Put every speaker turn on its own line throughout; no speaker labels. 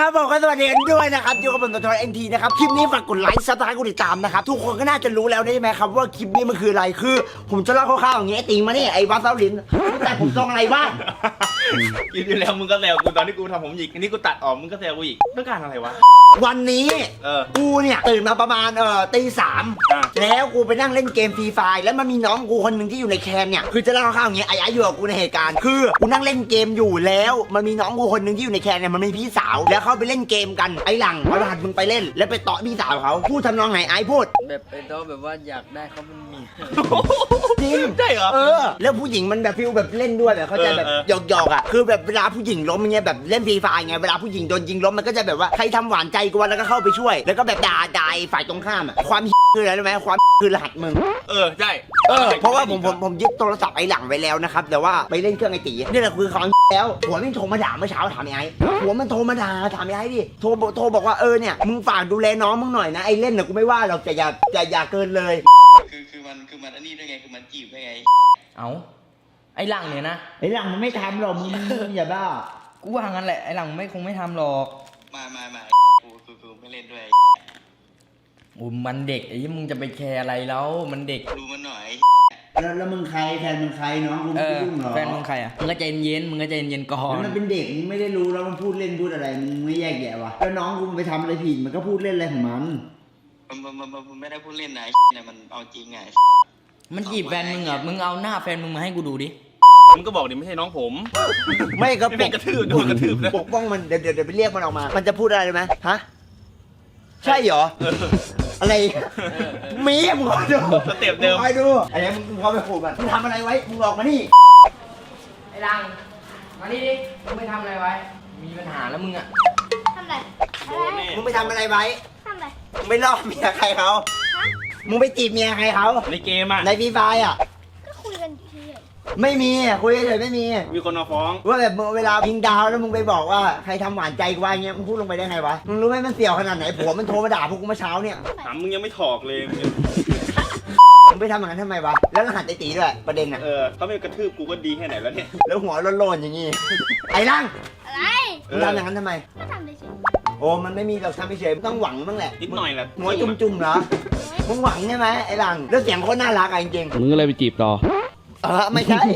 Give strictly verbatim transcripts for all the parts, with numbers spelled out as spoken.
ครับผมก็สวัสดีกันด้วยนะครับอยู่กับผมตัวทอยเอ็นทีนะครับคลิปนี้ฝากกดไลค์ซับสไครต์กดติดตามนะครับทุกคนก็น่าจะรู้แล้วใช่ไหมครับว่าคลิปนี้มันคืออะไรคือผมจะเล่าคร่าวๆอย่างเงี้ยติงมาเนี่ยไอ้วัดเซาลินแต่ผมทรงอะไรบ้าง
คลิปที่แล้วมึงก็แซวกูตอนที่กูทำผมหยิกอันนี้กูตัดออกมึงก็แซวกูอีกต้องการอะไรวะ
วันนี้เออกูเนี่ยตื่นมาประมาณเอ่อตีสามแล้วกูไปนั่งเล่นเกมฟรีไฟร์แล้วมันมีน้องกูคนหนึ่งที่อยู่ในแคนเนี่ยคือจะเล่าคร่าวๆอย่างเงี้ยไอ้ไอ้อยู่กับกูในเหตุการณ์คือกูนั่งเล่นเกมอยู่แล้วมันมีน้องกูคนหนึ่งที่อยู่ในแคนเนี่ยมันมีพี่สาวแล้วเขาไปเล่นเกมกันไอ้หลังเอารหัสมึงไปเล่นแล้วไปเตาะพี่สาวเขาพูดทำนองไหนไอ้พูด
แบบไปโต๊ะแบบว่าอยากได้เขาเป็นเมีย
จริง
ใช่เหรอ
เออแล้วผู้หญิงมันแบบฟิลแบบเล่นด้วยแบบเขาใจแบบหยอกๆอ่ะคือแบบเวลาผู้หญิงล้มเงี้ยแบบเล่นฟรีไฟร์ไงเวลาผู้หญิงโดนยิงล้มมันก็จะแบบว่าใครทำหวานใจกูแล้วก็เข้าไปช่วยแล้วก็แบบด่าด่าฝ่ายตรงข้ามอ่ะความคืออะไรรู้ไหมความคือรหัสมึง
เออใช่
เออเพราะว่าผมผมผมยึดโทรศัพท์ไอ้หลังไว้แล้วนะครับแต่ว่าไปเล่นเครื่องไอ้ตีนี่แหละคือของแล้วหัวมันโทรมาด่าเมื่อเช้าถามไอ้หัวมันโทรมาด่าถามไอ้ดิโทรโทรบอกว่าเออเนี่ยมึงฝากดูแลน้องมึงหน่อยนะไอ้เล่นน่ะกูไม่ว่าหรอกแต่อย่าอย่าอย่าเกินเลย
คือคือมันคือมันอันนี้ได้ไงคือมันจีบได้ไง
เอาไอ้หลังเนี่ยนะ
ไอ้หลังมันไม่ทำหรอกมึงอย่าบ้า
กูว่างั้นแหละไอ้หลังไม่คงไม่ทำหรอก
มามามากูกูกูไม่เล่นด้วย
โอ้มันเด็กไอ้มึงจะไปแคร์อะไรแล้วมันเด็ก
ดูมันหน่อย
แล้วแล้วมึงใครแฟนมึงใครน้องกูไม่ยุ่งหรอ
แฟนมึงใครอ่ะมึงก็ใจเย็นมึงก็ใจเย็นก่อน
มันเป็นเด็กมึงไม่ได้รู้แล้วมันพูดเล่นพูดอะไรมึงไม่แยกแยะวะแล้วน้องกูมันไปทำอะไรผิดมันก็พูดเล่นอะไรของมัน
มันมันมันมันไม่ได้พูดเล่นนะเนี่ยมันเอาจริงไง
มันจีบแฟนมึงเหรอมึงเอาหน้าแฟนมึงมาให้กูดูดิ
มึงก็บอกดิไม่ใช่น้องผม
ไม่ก็
ปกกระทืบโดนกระทืบนะ
ปกป้องมันเดี๋ยวเดี๋ยวไปเรียกมันออกมามันจะพูดอะไรไหมฮะใช่เหรออะไรมีมึงคอยดู
สเต็ปเดิม
คอยดูอะไรมึงพอไปขู่มันมึงทำอะไรไว้มึงออกมานี่
ไอ้ลังมานี่ดิมึงไปทำอะไรไว้มีปัญหาแล้วมึงอะ
ทำอะไร
มึงไปทำอะไรไว้
ทำอะไร
มึงไปล่อเมียใครเขามึงไปจีบเมียใครเขา
ในเกมอะ
ในฟรีไฟร์อะ
ก็คุยกันที
ไม่มีคุยเฉยไม่มี
มีคนมาฟ้อง
ว่าแบบเวลายิงดาวแล้วมึงไปบอกว่าใครทำหวานใจกูว่าอย่างเงี้ยมึงพูดลงไปได้ไงวะมึงรู้ไหมมันเสี่ยวขนาดไหนผัวมันโทรมาด่าพวกกูเมื่อเช้าเนี่ย
ถามมึงยังไม่ถอกเลย
มึงไปทำอย่างนั้นทำไมวะแล้วรหัสไอ้ตีด้วยประเด็นอ่ะ
เออเขาไม่กระทืบกูก็ดีแค่ไหนแล้วเนี่ย
แล้วหัวโลนๆอย่างงี้ไอ้ร่าง
อะไร
มึงทำอย่างนั้นทำไม
ก็ทำเฉย
โอ้มันไม่มีเราทำเฉยต้องหวังบ้างแหละ
นิดหน่อยแหละ
หัวจุ่มๆเหรอมึงหวังใช่ไหมไอ้ร่างแล้วเสียงโคตรน่ารักอ่ะจริง
ๆมึงก็เลยไปจีบต่อ
เออไม่ใช่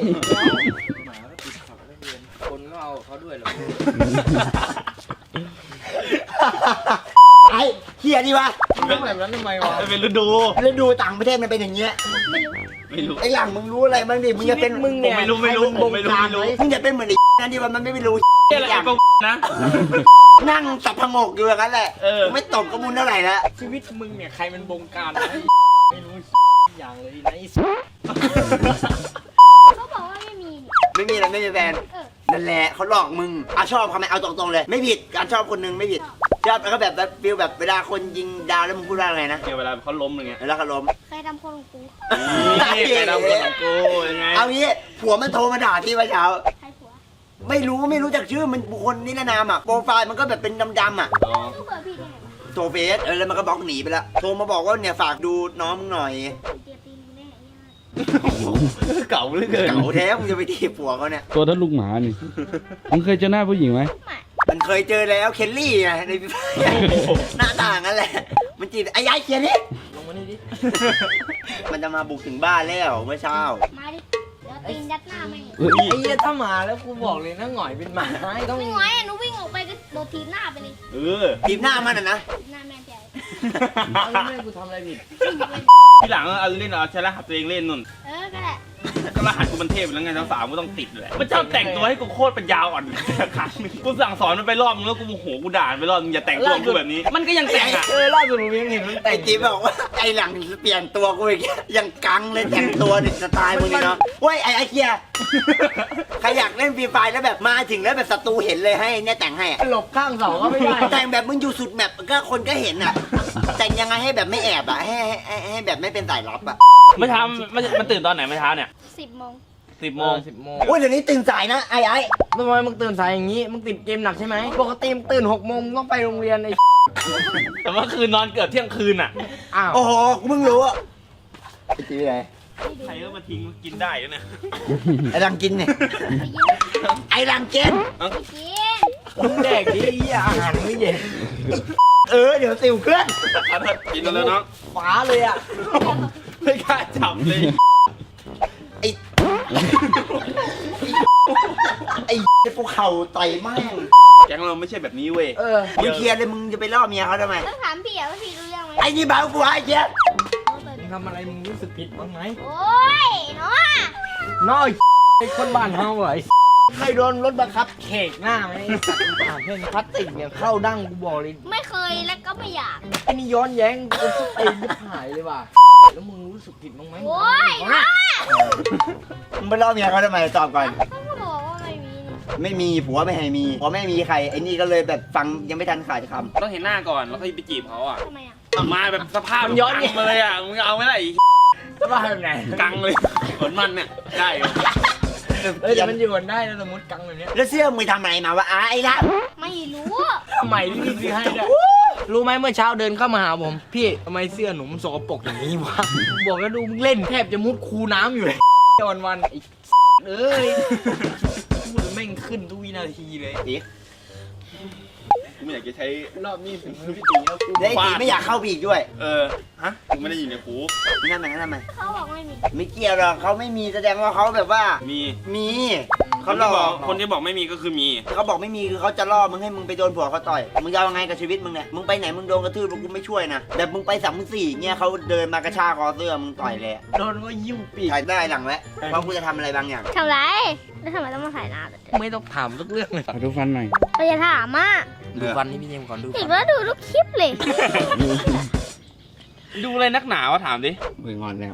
คนก็เอาเขาด้วยหรอ
ไอ้เฮียดีวะ
ต้องแบบนั้นทำไมวะ
เป็นฤดู
ฤดูต่างประเทศมันเป็นอย่างเงี้ย
ไม่รู้
ไอ้หลังมึงรู้อะไรบ้างดิมึงจะเป็น
มึงเนี่ย
ไม่รู้ไม่รู้ผมไม่รู้ไม่รู้
มึงจะเป็นเหมือนไอ้นั่นดิว่ามันไม่รู้
อะไรไอ้พวกนะ
นั่งสับพงกอยู่อย่างนั้นแหละไม่ตบกระมุนเท่าไหร่แล้ว
ชีวิตมึงเนี่ยใครมันบงการไม่รู้อย่างเลยนะ
เขาบอกว่าไม่มี
ไม่มีอะไรไม่มีแฟนนั่นแหละเขาหลอกมึงอาชอบเขาไหมเอาตรงๆเลยไม่ผิดการชอบคนนึงไม่ผิดชอบแล้วก็แบบฟิลแบบเวลาคนยิงดาวแล้วมึงพูดว่าอะไรนะ
เวลาเขาล้มอะไรเงี้ย
เวลาเขาล้ม
ใครทำคนของกู
ใครทำคนของกูยังไง
เอางี้ผัวมันโทรมาด่าที่เมื่อเช้า
ใครผัว
ไม่รู้ไม่รู้จักชื่อมันบุคคลนิรนามอ่ะโปรไฟล์มันก็แบบเป็นดำๆอ่ะ
ก็เปิดพี่ได้ไง
โทรเฟซเออแล้วมันก็บล็อกหนีไปแล้วโทรมาบอกว่าเนี่ยฝากดูน้องมึงหน่อย
เก่าเหลือเกิน
เก่าแท้มึงจะไปทีผัวเขาเนี่ย
ตัวท่านลูกหมานี่มึงเคยเจอหน้าผู้หญิงไหม
มันเคยเจอแล้วเคลลี่ไงในหน้าต่างนั่นแหละมันจีบไอ้ยายเคียนี่
ลงมานี่ดิ
มันจะมาบุกถึงบ้านแล้วเมื่อเช้า
มาดิเดี๋ยวตีนยัดหน้าแม่ง
ไอ้เหี้ยถ้ามาแล้วกูบอกเลยนะหงอยเป็นหมาต้อง
ไม่หงอยหนูวิ่งออกไปก็โดนทีหน้าไปเลย
เออ
ทีหน้ามันอ่ะนะ
หน้าแม่แจ๋ว
แล้วแม่กูทำอะไรผิด
ที่หลังเอาเล่นเอาใช้รหัสตัวเองเล่นนุ่น
เออก็แหละ
ก็รหัสกูมันเทพแล้วไงทั้งสามก็ต้องติดแหละมันชอบแต่งตัวให้กูโคตรเป็นยาวอ่อนครั้งนึงกูสั่งสอนมันไปรอบนึงแล้วกูโมโหกูด่าไปรอบนึงอย่าแต่งตัวกูแบบนี้มันก็ยังแต่งอ่ะ
เออล่าสุดผมยังเห็นมันแต่ง
ไอ้จีบอกว่าไอ้หลังเปลี่ยนตัวกูอีกยังกังเลยแต่งตัวดิสไตล์มึงนี่เนาะเว้ยไอ้ไอ้เคียใครอยากเล่นฟรีไฟแล้วแบบมาถึงแล้วแบบศัตรูเห็นเลยให้เนี่ยแต่งให้
หลบข้างเสาก็ไม่ได้
แต่งแบบมึงอยู่สุดแบบก็คนก็เห็นอ่ะแต่งยังไงให้แบบไม่แอบอ่ะให้ให้ให้แบบไม่เป็นสายลับอ่ะ
ไม่ทำมันมันตื่นตอนไหนไม่เช้าเนี่ย
สิบโมง
สิบโมง
สิบโมง
โอ้ยเดี๋ยวนี้ตื่นสายนะไอ้ไอ้
ทำไมมึงตื่นสายอย่างนี้มึงติดเกมหนักใช่ไหมปกติมึงตื่นหกโมงต้องไปโรงเรียนไอ้
แต่ว่าคืนนอนเกือบเที่ยงคืนอ่ะ
อ้าวโอ้โหกูเพิ่งรู้อ่ะไอ้จีไง
ใครก็มาทิ้งกินได้แล้วเนี่ย
ไอ้รังกินเนี่ยไอ้รังกิน
กิน
มึงแดกดิเหี้ยอาหารมื้อเย็น
เออเดี๋ยวสิวเคลื่อน
เอาเถอะกินแล้วน้อง
ฟ้าเลยอ่ะ
ไม่กล้าจับเลย
ไอ้ไอ้กูเข่าต่อยแม่ง
แก๊งเราไม่ใช่แบบนี้เว้ย
เออ
มึงเคลียร์เลยมึงจะไปล่อเมียเขาทำไม
ต้องถามพี่อะว่าพี่รู้เรื่องไหม
ไอ้นี่เบากูไอ้เจี๊ยบ
มึงทำอะไรมึงรู้สึกผิดบ้างไหม
โอ้ยเนาะ
น้อยไอ้คนบ้านเฮาเหรอไอ้เคยโดนรถบังคับเขกหน้าไหมไอ้สัตว์มึงถามเพื่อนพลาสติกเนี่ยเข้าดั้งกูบอกเลย
ไม่เคยและก็ไม่อยาก
ไอ้นี่ย้อนแย้งกูสุดไอ้ลูกหายเลยว่ะแล้วมึงรู้สึกผิดบ้างไหม
โอ้ย
มึง
เนาะ
มึงไปล่อเมียเขาทำไมตอบก่อน
เขาก็บอกว่าไม่มีนี่
ไม่มีผัวไม่ให้มีผัวไม่มีใครไอ้นี่ก็เลยแบบฟังยังไม่ทันขาดค
ต้องเห็นหน้าก่อนแล้วค่อยไปจีบเขาอ่ะ
ทำไมอะ
มาแบบสภาพมันย้อนมาเลยอ่ะมึงเอาไหมล่ะไอ้
สบายแบบไหน
กังเลยเหมือนมันเนี่ยได้อยู่
เออแต่มันอยู่กันได้แล้วสมมติกังแบบเนี้ย
ำแล้วเสื้อมึงทำอะไรมาวะอ้าไอ้ละ
ไม่รู้
ทำไมที่พี่ซื้อให้ด้วยรู้ไหมเมื่อเช้าเดินเข้ามาหาผมพี่ทำไมเสื้อหนูมันสกปรกอย่างนี้วะบอกแล้วดูมึงเล่นแทบจะมุดคูน้ำอยู่เลยวันวันๆไอ้เอ้ยพูดแล้วแม่งขึ้นทุกวินาทีเลย
กูไม่อยากจะใช้
รอบนี้ถึงมือพี่ตีแล้วกู
แล้วไอ้ตีไม่อยากเข้าไปอีกด้วย
เออฮะกูไม่ได้อยู่ในหู
มึงนั่นมันนั่นทำไม
เขาบอกไม่มี
ไม่เกี่ยวหรอกเขาไม่มีแสดงว่าเขาแบบว่า
มี
มี
ค
เขา
น
หล
ที่
อ
บอก
ก
คนที่บอกไม่มีก็คือมี
เขาบอกไม่มีคือเขาจะล่อมึงให้มึงไปโดนผัวเขาต่อยมึงจะเอายังไงกับชีวิตมึงเนี่ยมึงไปไหนมึงโดนกระทืบกูไม่ช่วยนะแบบมึงไปสามมึงสี่เงี้ยเขาเดินมากระชากคอเสื้อมึงต่อยเลยอะ
โดนก็ยิ้วปีก
ถ่ายได้หลังแล้วเพราะกูจะทำอะไรบางอย่าง
ทำไรแล้วทำไมต้องมาถ่ายหน้าด้วย
ไม่ต้องถามทุกเรื่องเลย
ขอดูฟันหน่อย
เราจะถามอ่ะ
ดูฟันนี่พี่เจมส์ก่อนดู
อี
ฟั
ก
น
แล้วดูทุกคลิปเลย
ดูอะไรนักหนาวะถามดิ
มึงงอนแล้ว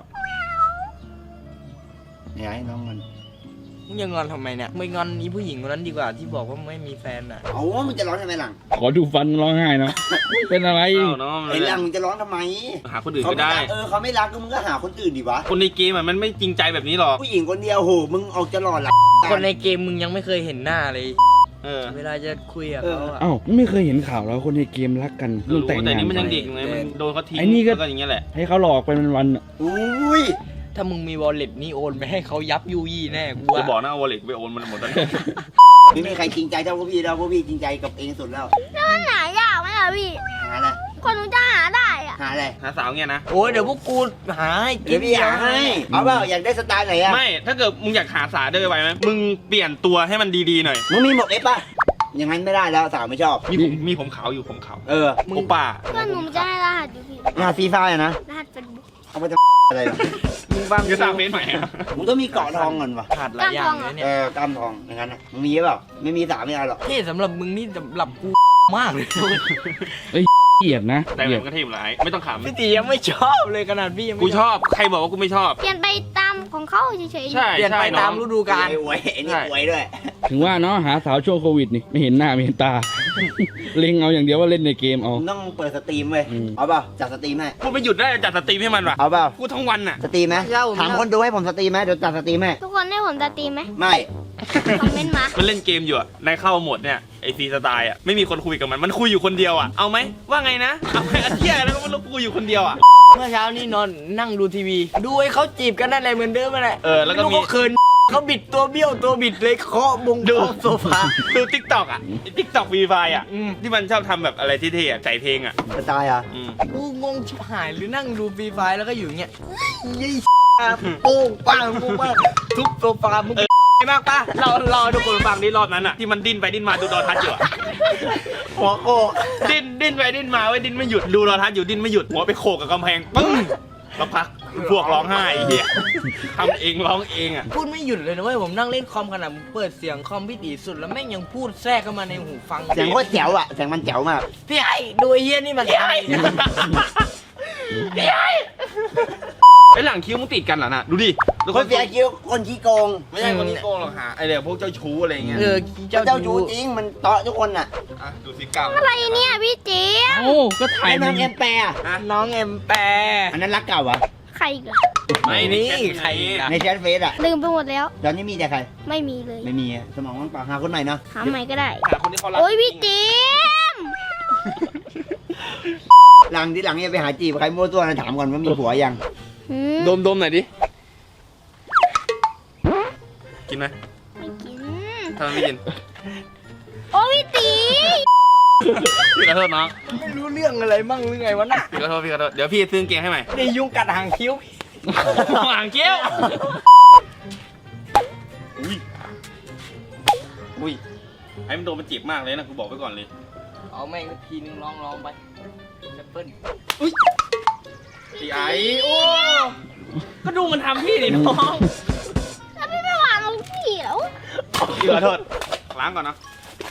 อย่าให้น้องงอน
มึงยังงอนทำไมเนี่ยไม่งอนนี้ผู้หญิงคนนั้นดีกว่าที่บอกว่าไม่มีแฟนอ่ะ
เอาว่ามึงจะร้องทำไมหลัง
ขอดูฟันร้องไห้เนาะเป็นอะไร
เอ้าน้อง
ไอ้หลังมึงจะร้องทำไม
หาคนอื่น
เขา
ก็
ไม่
ได้
รักเออเขาไม่รักก็มึงก็หาคนอื่นดิวะ
คนในเกมอะมันไม่จริงใจแบบนี้หรอก
ผู้หญิงคนเดียวโหมึงออกจะหล่อหลัง
คนในเกมมึงยังไม่เคยเห็นหน้าเลย
เออ
เวลาจะคุยกับเขาอะ
อ้าวไม่เคยเห็นข่าวแล้วคนในเกมรักกันเรื่อง
รู้
แต่ง
แต่
งาน
นี่มันยัง
ไป
เด็กอยู่ไงมันโดนเขาทิ้ง
ไอ้นี่ก็
แล้วอย่างเงี้ยแหละ
ให้เขาหลอกไปวันๆอะ
อุ้ย
ถ้ามึงมีวอลเล็ตนี่โอนไปให้เขายับยูยี่แน่กู
จะบอ
ว่าก
นะเอาวอลเล็ตไปโอนมันหมดแล้ว
ไม่มีใครจริงใจเท่าพวกพี่แล้วพวกพี่จริงใจกับเองสุดแล้ว
แล้วมันหายากไหมล่ะพี่
หาอะไร
คนหนูจะหาได้อะ
หาอะไร
หาสาวเงี้ยนะ
โอ้ยเดี๋ยวพวกกูหาให้กิ
เดี๋ย
น
วพี่หาให้เอาเปล่าอยากได้สไตล์ไหนอะ
ไม่ ถ้าเกิดมึงอยากหาสาวได้ไวไหมมึงเปลี่ยนตัวให้มันดีๆหน่อย
มึงมีหมวกเอฟป่ะอย่างนั้นไม่ได้แล้วสาวไม่ชอบ
มีผมมีผมขาวอยู่ผมขาว
เออ
โอป้า
เพื่อนหนูจะให้รหัสอยู่พี่
งานฟรีไฟร์อะนะ
รหัสเป็นบุ๊ก
เอาไปจะอะไรล่ะ
มึงบ้าง
จะสร้างเฟซใหม่อะ
มึงต้องมีเกาะทองก่อนวะ
ขาดหลายอย่างเลยเนี่ย
เออกล้ามทองอย่างนั้นอะมึงมีหรือเปล่าไม่มีสาวไม่เอาหรอก
เท่สำหรับมึงนี่สำหรับกูมากเลย
เกลียดนะ
แต่
เก
แบ
ลีย
บ
ด
ก็เทพหลายไม่ต้องขำ
พี่ตียังไม่ชอบเลยขนาดพี่ยังไม่
กูชอบใครบอกว่ากูไม่ชอบ
เปลี่ยนไปตามของเขาเฉยๆ
ใช่
เปลี่ยน
ใช่
ไป
น้
ตา
อ
ม
ง
ฤดูกาล
ไอ้อวยไอ้นี่อวยด้วย
ถึงว่าเนาะหาสาวช่วงโควิดนี่ไม่เห็นหน้าไม่เห็นตา เล็งเอาอย่างเดียวว่าเล่นในเกมเอา
มึงต้องเปิดสตรีมเว้ย
อืม
เอาเปล่าจัดสตรีมให้
กูไม่หยุดได้จัดสตรีมให้มันว่ะ
เอาเปล่า
กูทั้งวันน่ะ
สตรีมไหมถามคนดูให้ผมสตรีมไหมเดี๋ยวจัดสตรีมให้
ทุกคนได้ผมจะตีมไหม
ไม่
คอมเมนต์มา
มันเล่นเกมอยู่อะในเข้าหมดเนี่ยไอฟรีสไตล์อะไม่มีคนคุยกับมันมันคุยอยู่คนเดียวอะเอาไหมว่าไงนะเอาไหมอาเทียแล้วก็มันคุยอยู่คนเดียวอะ
เมื่อเช้านี่นอนนั่งดูทีวี ดูไอ้เขาจีบกันนั่นแหละเหมือนเดิมนั่นแหละ
เออแล้วก็มี
ไรู้เขาเคินเขาบิดตัวเบี้ยวตัวบิดเลยเคาะบง
ดู
เคาะโซฟา
ดูทิกตอกอะทิกตอกฟรีไฟอะ
อืม
ที่มันชอบทำแบบอะไรที่เท่ๆอะใส่เพลงอะ
สไตล์อ่ะ
อืม
กูงงชิบหายหรือนั่งดูฟรีไฟแล้วก็อยู่อย่างเงี้ยยี่โป้งปังโป้งปังทุบโซฟามึงมากป่ะ
เราเราทุกคนฟังที่รอบนั้นอะที่มันดิ้นไปดิ้นมาดูดอทัศน์อยู่อะ
หัวโกก
ดิ้นดิ้นไปดิ้นมาไว้ยดิ้นไม่หยุดดูดอทัศน์อยู่ดิ้นไม่หยุดหัวไปโขกกับกำแพงปึ้งแล้วพักพวกร้องไห้ไอ้เหี้ยทำเองร้องเองอะ
พูดไม่หยุดเลยนะเว้ยผมนั่งเล่นคอมขนาดผมเปิดเสียงคอมพี่ตีสุดแล้วแม่งยังพูดแทรกเข้ามาในหูฟัง
เสียงโคตรแจ๋วอ่ะเสียงมันแจ๋วมาก
พี่ไอ้ดูไอ้เฮียนี่มันทำอะไรเนี่ย
ไอหลังคิ้วมึงติดกันเหรอน่ะดูดิดู
คนเสียคิ้วคนขี้โกง
ไม่ใช่คนที่โกงหรอกหาไอเดี๋ยวพวกเจ้าชู้อะไรเงี้ย
เออ
เจ้า
เจ้า
จู
ชู้
จริงมันเตาะทุกคนอ่ะ
อ่ะดูสิกรรม
อะไรเนี่ยพี่เจี๊ยบ
โอ้ก็ถ่า
ไอ้
ย
น้
มั
อน งเอ็มแปร์อะ
น้องเอ็มแปร
อันนั้นรักเก่าเหรอ่ะ
ใครอีกอะ
ไม่นี่
ใครอีกอะ
ในแชทเฟซอ่ะ
ลืมไปหมดแล้ว
ตอนนี้มีแต่ใคร
ไม่มีเลย
ไม่มีอะสมองว่างเปล่าหาคนใหม่เนาะ
หาใหม่ก็ได้
หาคนที่เขารัก
โอ้ยพี่เจี๊ยบ
หลังที่หลังเนี่ยไปหาจีบใครมั่วตัวนะถามก่อนว่ามีผัวยัง
หืม
ดมดมหน่อยดิกินไหม
ไม่กิน
ทำไมไม่กิน
โอ้พี่ตี
พี่ขอโทษน้อง
ไม่รู้เรื่องอะไรมั่งหรือไงวะน่ะ
พี่ขอโทษพี่ขอโทษเดี๋ยวพี่ซื้อกางเกงให้ใหม่
นี่ยุงกัดหางคิ้ว
หางเกี้ยวอุ้ยอุ้ยไอ้มันโดนมันเจ็บมากเลยนะกูบอกไว้ก่อนเลย
เอาแม่งสักทีนึงลองลองไปแอปเปิ้ล
พี่ไอ้โอ้ก็ดูมันทำพี่ดิน้อง
แล้วพี่ไม่วางลงเขียว
พี่ขอโทษล้างก่อนนะ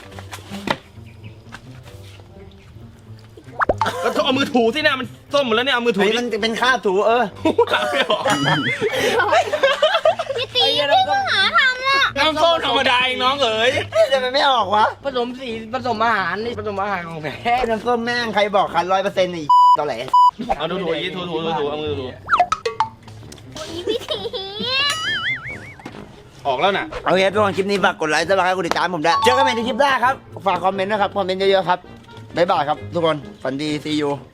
ก็เอามือถูสิเนี่ยมันส้มหมดแล้วเนี่ยเอามือถู
เฮ้ย
ดิ
มันจะเป็นคราบถูเออ
ล้างไม่ออก
พี่ตีพี่ก็หาทำละ
น้ำส้มธรรมดาเองน้องเอ๋ย
จะมันไม่ออกวะ
ผสมสีผสมอาหารนี่ผสมอาหารของแท้
น้ำส้มแม่งใครบอกคันร้อยเปอร์เซ็นต์ไอ้ตอแหล
เอาถูถูอีกถูถูถูถูเอามือถู
โอ้ยพี่ตี
ออกแล้วน่ะ
โอเคทุกคนคลิปนี้ฝากกดไลค์ซับสไครต์กดติดตามผมด้วยเจอกันใหม่ในคลิปหน้าครับฝากคอมเมนต์นะครับคอมเมนต์เยอะๆครับบ๊ายบายครับทุกคนฝันดีซีอู